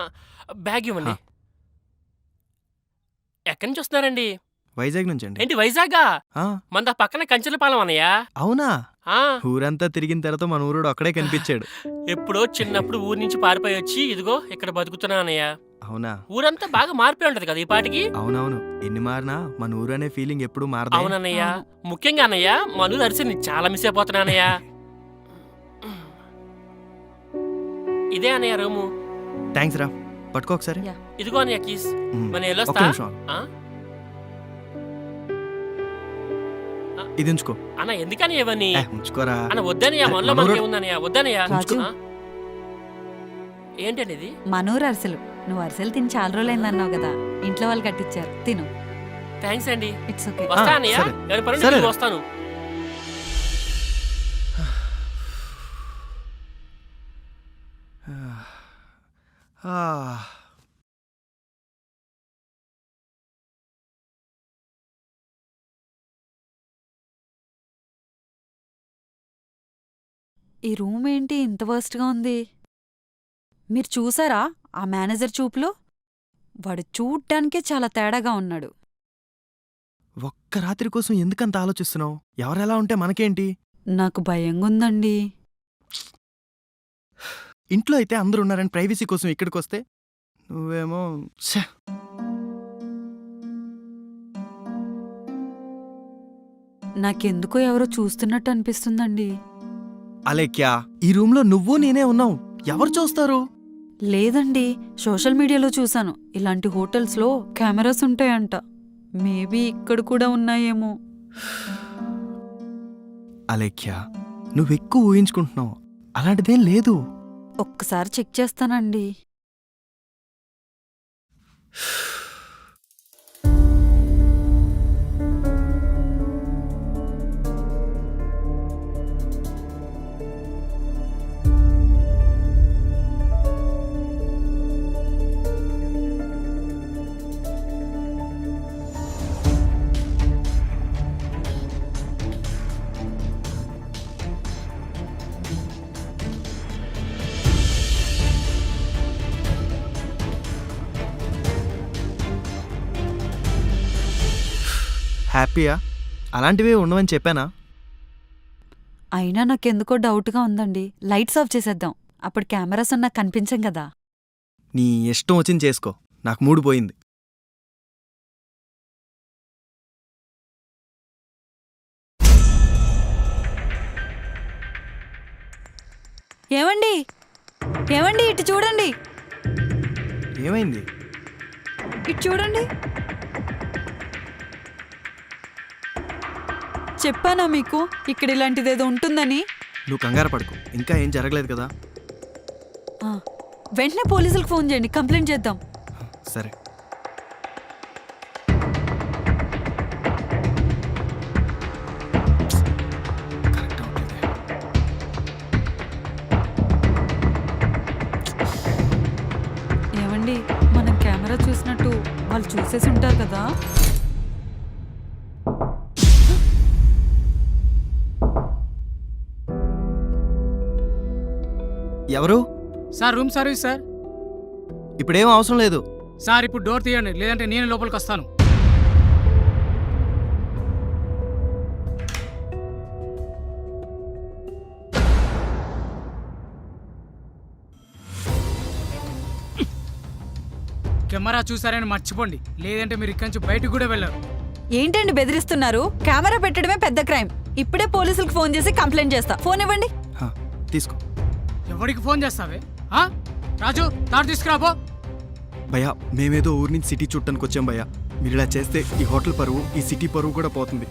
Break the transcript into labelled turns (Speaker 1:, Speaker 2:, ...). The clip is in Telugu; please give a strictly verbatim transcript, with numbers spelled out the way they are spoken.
Speaker 1: బ్యాగ్ ఇవ్వండి. ఎక్కడి నుంచి వస్తున్నారండి?
Speaker 2: వైజాగ్ నుంచి అండి.
Speaker 1: ఏంటి వైజాగా?
Speaker 2: ఆ,
Speaker 1: మన పక్కన కంచెలపాలెం అన్నయ్య.
Speaker 2: అవునా?
Speaker 1: ఆ,
Speaker 2: ఊరంతా తిరిగిన తర్వాత మన ఊరోడు అక్కడే కనిపించాడు.
Speaker 1: ఎప్పుడో చిన్నప్పుడు ఊరి నుంచి పారిపోయి వచ్చి ఇదిగో ఇక్కడ బతుకుతున్నా అన్నయ్య.
Speaker 2: అవునా?
Speaker 1: ఊరంతా బాగా మారిపోయి ఉంటది కదా ఈ పాటికి.
Speaker 2: అవునవును, ఎన్ని మారినా మన ఊరు అనే ఫీలింగ్ ఎప్పుడు మారదు.
Speaker 1: అవునన్నయ్య, ముఖ్యంగా అన్నయ్య మనూరు అరిసి చాలా మిస్ అయిపోతున్నా అన్నయ్య. ఇదే అన్నయ్య రూము.
Speaker 2: థ్యాంక్స్ రా, పట్టుకో ఒకసారి.
Speaker 1: ఇదిగో అన్నయ్య కీస్.
Speaker 2: మ్,
Speaker 1: మన
Speaker 2: ఒక్క
Speaker 1: వెళ్ళొస్తా.
Speaker 2: నిమిషం.
Speaker 1: ఆ?
Speaker 2: ఇది ఉంచుకో.
Speaker 1: అన్న ఎందుకని ఇవన్నీ?
Speaker 2: ఏ, ఉంచుకోరా.
Speaker 1: అన్న వద్దనయ్య,
Speaker 2: అరే,
Speaker 1: మనలో
Speaker 2: మనూరు-
Speaker 1: మనకి ఏముందన్నయ్య? వద్దనయ్య.
Speaker 3: రాజు.
Speaker 1: ఆ? ఏంటండి ఇది?
Speaker 3: మనూరు అరిసెలు. నువ్వు అరిసెలు తిని చాలా రోజులైందన్నావు కదా, ఇంట్లో వాళ్ళు కట్టించారు, తిను.
Speaker 1: థ్యాంక్స్ అండి.
Speaker 3: It's okay.
Speaker 1: వస్తా
Speaker 2: ఆ,
Speaker 1: అన్నయ్య.
Speaker 2: సరే.
Speaker 1: ఎవరి పని
Speaker 2: సరే.
Speaker 1: నేను వస్తాను.
Speaker 2: ఆ,
Speaker 3: ఈ రూమ్ ఏంటి ఇంత వర్స్ట్గా ఉంది? మీరు చూసారా ఆ మేనేజర్ చూపులో? వాడు చూడ్డానికే చాలా తేడాగా ఉన్నాడు.
Speaker 2: ఒక్క రాత్రి కోసం ఎందుకంత ఆలోచిస్తున్నావు? ఎవరెలా ఉంటే మనకేంటి?
Speaker 3: నాకు భయంగుందండి.
Speaker 2: ఇంట్లో అయితే అందరూ ఉన్నారని ప్రైవసీ కోసం ఇక్కడికి వస్తే నువ్వేమో ఛే.
Speaker 3: నాకెందుకో ఎవరో చూస్తున్నట్టు అనిపిస్తుందండి.
Speaker 2: అలేఖ్యా, ఈ రూమ్లో నువ్వు నేనే ఉన్నావు, ఎవరు చూస్తారు?
Speaker 3: లేదండి, సోషల్ మీడియాలో చూశాను ఇలాంటి హోటల్స్లో కెమెరాస్ ఉంటాయంట. మేబీ ఇక్కడ కూడా ఉన్నాయేమో.
Speaker 2: అలేఖ్యా, నువ్వెక్కువ ఊహించుకుంటున్నావు, అలాంటిదేం లేదు.
Speaker 3: ఒక్కసారి చెక్ చేస్తానండి.
Speaker 2: హ్యాపీయా? అలాంటివే ఉండవని చెప్పానా?
Speaker 3: అయినా నాకెందుకో డౌట్గా ఉందండి. లైట్స్ ఆఫ్ చేసేద్దాం, అప్పుడు కెమెరాస్ ఉన్నా కనిపించం కదా.
Speaker 2: నీ ఇష్టం వచ్చింది చేసుకో, నాకు మూడు పోయింది.
Speaker 3: ఏమండి ఏమండి ఇటు చూడండి,
Speaker 2: ఏమైంది?
Speaker 3: ఇటు చూడండి. చెప్పానా మీకు ఇక్కడ ఇలాంటిదేదో ఉంటుందని?
Speaker 2: నువ్వు కంగారు పడుకో, ఇంకా ఏం జరగలేదు కదా.
Speaker 3: ఆ, వెంటనే పోలీసులకు ఫోన్ చేయండి, కంప్లైంట్ చేద్దాం.
Speaker 2: సరే. కరెక్ట్ అవుతుంది.
Speaker 3: ఏమండి, మనం కెమెరా చూసినట్టు వాళ్ళు చూసేసి ఉంటారు కదా.
Speaker 2: ఎవరు?
Speaker 4: Sir room service sir.
Speaker 2: ఇప్పుడేం అవసరం లేదు.
Speaker 4: సార్ ఇప్పుడు డోర్ తీయండి, లేదంటే నేను లోపలికి వస్తాను. కెమెరా చూసారని మర్చిపోండి, లేదంటే మీరు ఇక్కడి నుంచి బయటకు కూడా వెళ్ళరు.
Speaker 3: ఏంటండి బెదిరిస్తున్నారు? కెమెరా పెట్టడమే పెద్ద క్రైమ్. ఇప్పుడే పోలీసులకు ఫోన్ చేసి కంప్లైంట్ చేస్తా. ఫోన్ ఇవ్వండి.
Speaker 2: హా, తీసుకో.
Speaker 4: ఎవరికి ఫోన్ చేస్తావే? ఆ? రాజు తాడు తీసుకురాబో.
Speaker 2: భయ్యా, మేమేదో ఊరి నుంచి సిటీ చుట్టానికి వచ్చాం భయ్యా. మీరు ఇలా చేస్తే ఈ హోటల్ పరువు, ఈ సిటీ పరువు కూడా పోతుంది.